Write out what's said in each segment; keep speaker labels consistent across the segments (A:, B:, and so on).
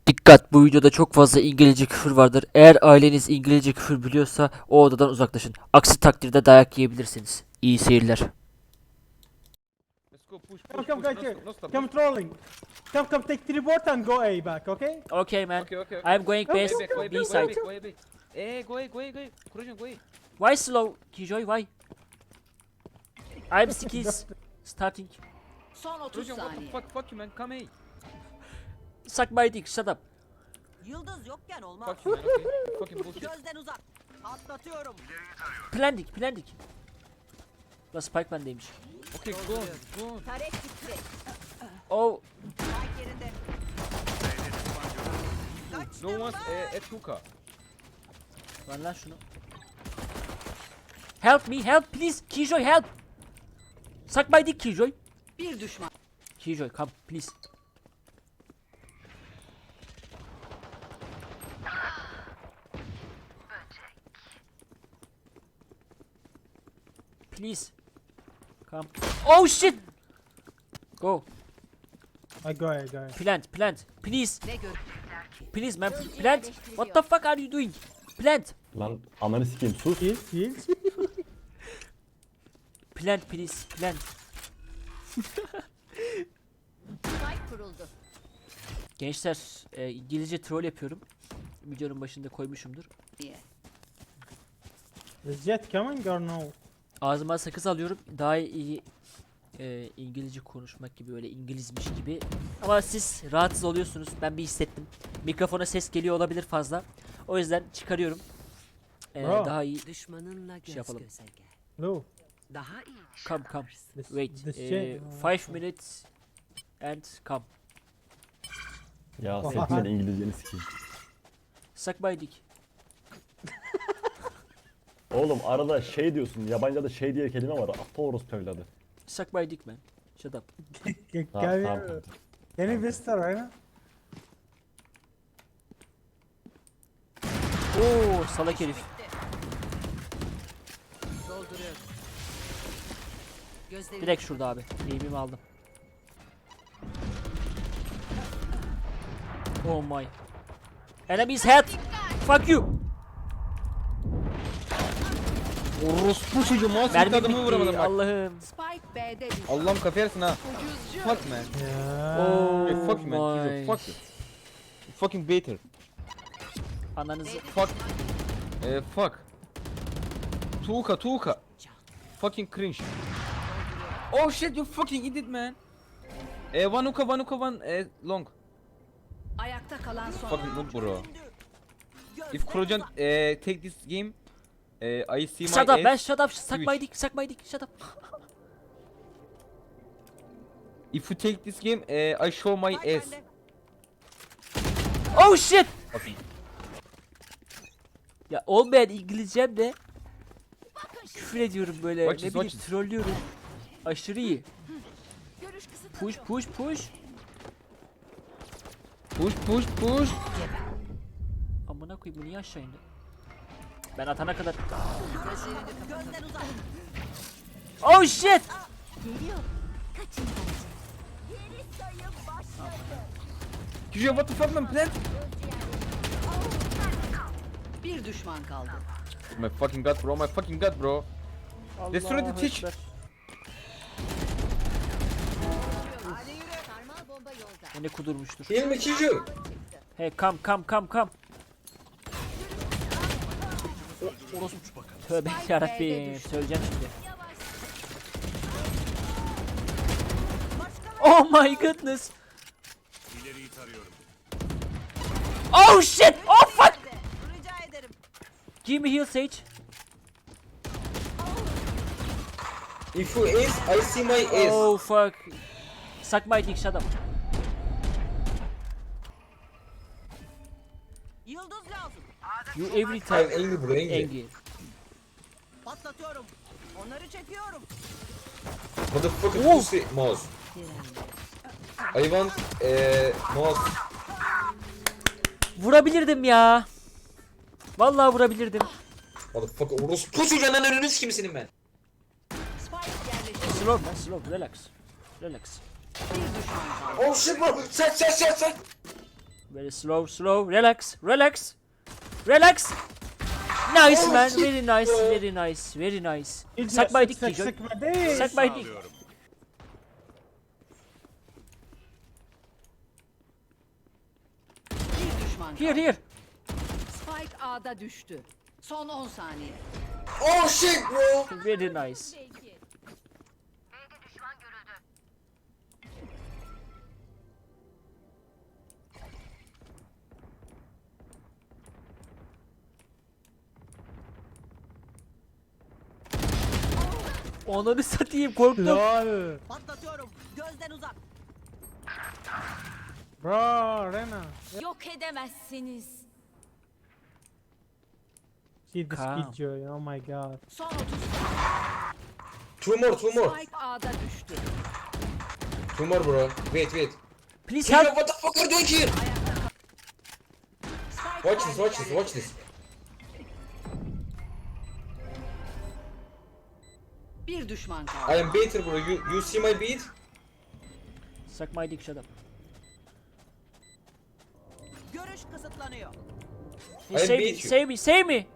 A: Dikkat, bu videoda çok fazla İngilizce küfür vardır. Eğer aileniz İngilizce küfür biliyorsa o odadan uzaklaşın. Aksi takdirde dayak yiyebilirsiniz. İyi seyirler.
B: Let's go push,
C: Come,
B: push,
C: come,
B: push.
C: guys,
B: No
C: here.
B: stop, no stop.
C: Come trolling. Come, take teleport and go A back, okay?
A: Okay man.
B: Okay.
A: I'm going
C: Okay,
A: best
B: Go back, go
A: B
B: back,
A: side.
B: go back. Go away. Kurucan, go away.
A: Why slow? Killjoy, why? I'm skills starting.
D: Son 30
B: Kurucan, what the
D: saniye.
B: fuck you man, come here.
A: Suck my dick, shut up.
D: Yıldız yokken olmaz.
B: Fuck you man, okay. You fucking bullshit.
D: Gözden uzak. Atlatıyorum.
A: Plandik. La Spike bendeymiş.
B: Okay, go.
D: Tarek gitti.
A: Oh,
D: Spike yerinde. Kaçtım
B: No one's
D: ben.
B: at hookah.
A: ver lan şunu. Help me, help please. Killjoy, help. Suck my dick, Killjoy.
D: Bir düşman.
A: Killjoy, come please. Please. Come. Oh shit. Go.
C: I go A.
A: Plant. Please.
D: Ne gör?
A: Please man. Plant. What the fuck are you doing? Plant.
E: Lan ananı sikeyim sus.
C: Heal.
A: Plant please. Plant.
D: Spike kuruldu.
A: Gençler, İngilizce troll yapıyorum. Videonun başında koymuşumdur.
D: Niye?
C: Is Jet coming or no?
A: Ağzıma sakız alıyorum. Daha iyi İngilizce konuşmak gibi, öyle İngilizmiş gibi. Ama siz rahatsız oluyorsunuz. Ben bir hissettim. Mikrofona ses geliyor olabilir fazla. O yüzden çıkarıyorum.
C: Bro.
A: Daha iyi.
D: Düşmanınla göz
A: yapalım.
D: göze gel.
C: No.
D: Daha iyi.
A: Come.
C: This,
A: Wait.
C: This Jet.
A: 5 minutes and come.
E: Ya senin İngilizceni sikeyim.
A: Suck my dick.
E: Oğlum arada şey diyorsun, yabancıda şey diye kelime var. Aptal orospu evladı.
A: Suck my dick man. Shut up.
E: Tamam tamam.
C: Can you whisper right now?
A: Oo, salak herif.
D: Dolduruyorum. Gözlerini
A: Direkt şurada abi. Eğimimi aldım. Oh my. Enemy's head. Fuck you.
B: Orospu çocuğu mouse
A: Mermi
B: adamı vuramadım
A: bitti.
B: bak.
A: Allah'ım.
D: Spike B'de düştü.
B: Allah'ım kafayı yersin ha. Fuck man.
C: Yeah.
A: Oh
B: Hey, fuck you man.
A: my.
B: Jesus, fuck you. You fucking baiter.
A: Ananızı.
B: Fuck. Fuck. Tuğka. Fucking cringe. Oh shit, you fucking idiot man. One hookah, one long.
D: Ayakta kalan son.
B: Fucking noob bro. If Kurocan take this game, I see my
A: Shut up man,
B: ass.
A: shut up. Suck my
B: Twitch.
A: dick, suck my dick. Shut up.
B: If you take this game, I show my
D: Spike
B: ass.
D: bende.
A: Oh shit.
B: Fucking.
A: Ya olmayan İngilizcem de küfür ediyorum böyle.
B: Watch
A: Ne
B: this,
A: bileyim,
B: watch this.
A: trollüyorum. Aşırı iyi.
D: Görüş kısıtlı.
A: Push.
B: Push.
A: Amına koyayım, bu niye aşağı indi? Ben atana kadar.
D: Gözden uzak.
A: Oh shit.
B: Kijo, what the fuck man, plant?
D: Bir düşman kaldı.
B: My fucking god bro. Destroy the
A: Allahu
B: teach.
A: Ekber.
D: Hadi yürü. Sarmal bomba yolda.
A: O ne kudurmuştur.
F: Değil mi Kiju?
A: Hey come. Orospu. Tövbe yarabbim. Söyleyeceğim şimdi. Oh my goodness. Oh shit. Oh fuck.
D: Rica ederim.
A: Give me heal Sage.
F: If you ace, I see my ace.
A: Oh fuck. Suck my dick, shut up.
D: Yıldız lazım.
A: You every
F: I'm
A: time
F: angry bro, angry.
A: angry.
D: Patlatıyorum. Onları çekiyorum.
F: Motherfucking
A: Oh.
F: pussy mouse. I want mouse.
A: Vurabilirdim ya. Vallahi vurabilirdim.
F: Motherfucker orospu çocuğundan önünü sikeyim senin ben.
D: Spike yerleşti.
A: Slow man, slow. Relax.
D: Bir düşman kaldı.
F: Oh shit bro. Sen.
A: Very slow, slow. Relax, relax. Relax. Nice man. Very nice, very nice, very nice. Suck my dick, Kijoy.
C: Suck my dick.
A: Suck my dick.
G: Bir düşman
A: Here,
G: kaldı.
A: here.
G: Spike A'da düştü. Son 10 saniye.
F: Oh shit, bro.
A: Very nice. Onları satayım, korktum.
C: Lol.
D: Patlatıyorum. Gözden uzak.
C: Bro, Rena.
G: Yok edemezsiniz.
C: See this
A: Calm.
C: Killjoy. Oh my god.
G: Son 30
F: Two more, two more.
G: Spike A'da düştü.
F: Two more, bro. Wait, wait.
A: Please
F: Killjoy,
A: help.
F: what the fuck are you doing here?
G: Spike
F: Watch this,
G: A'da
F: watch this, watch this.
G: Bir düşman
F: I
G: kaldı.
F: am baiter, bro. You see my beat?
A: Suck my dick, shut up.
D: Görüş kısıtlanıyor.
A: Hey,
F: I
A: save me,
F: beat you.
A: save me, save me.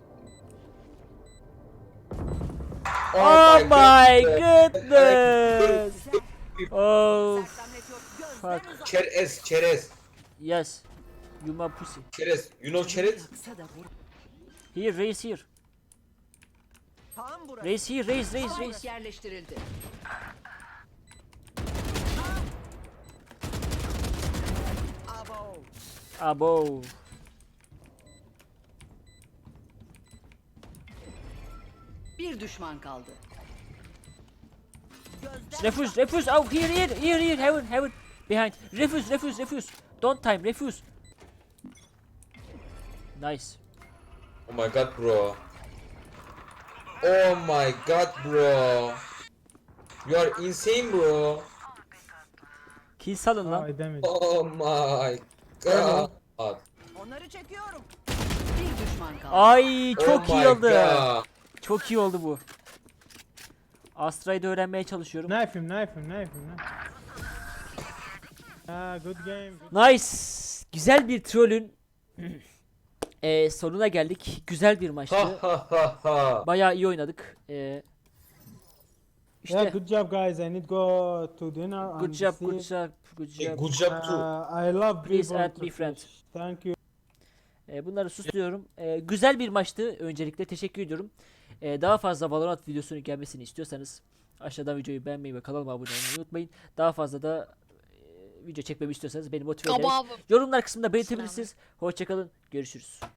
F: Oh,
A: Oh my
F: God.
A: goodness. Oh
D: Sersemlet yok.
A: fuck.
D: Gözden uzak.
F: Çerez, çerez.
A: Yes. You my pussy.
F: Çerez. You know çerez?
G: Kısa da vur.
A: Here, raise here.
D: Tam burası.
A: Raise here, raise.
G: Spike yerleştirildi.
D: Abo.
A: Abo.
G: Bir düşman kaldı.
D: Gözden
A: Refuse, refuse. Oh, here. Heaven. Behind. Refuse. Don't time, refuse. Nice.
F: Oh my god, bro. Oh my god, bro. You are insane, bro.
A: Kill salın
C: Oh,
A: lan.
C: I damaged.
F: Oh my god.
D: onları çekiyorum.
G: Bir düşman kaldı.
A: Ay çok
F: Oh
A: iyi
F: my
A: oldu.
F: god.
A: Çok iyi oldu bu. Astra'yı da öğrenmeye çalışıyorum.
C: Knife him. Ah, good game.
A: Nice. Güzel bir trollün sonuna geldik. Güzel bir maçtı.
F: Ha ha ha ha.
A: Bayağı iyi oynadık. İşte
C: Yeah, good job, guys. I need go to dinner.
A: good
C: and
A: job,
C: see-
A: good job, good
F: Hey,
A: job.
F: good job too.
C: I love
A: Please
C: people
A: add
C: to
A: me friend.
C: fish. Thank you.
A: Bunları susuyorum. Güzel bir maçtı. Öncelikle teşekkür ediyorum. Daha fazla Valorant videosunun gelmesini istiyorsanız aşağıdan videoyu beğenmeyi ve kanalıma abone olmayı unutmayın. Daha fazla da video çekmemi istiyorsanız beni motive ederiz. Yorumlar kısmında belirtebilirsiniz. Hoşçakalın. Görüşürüz.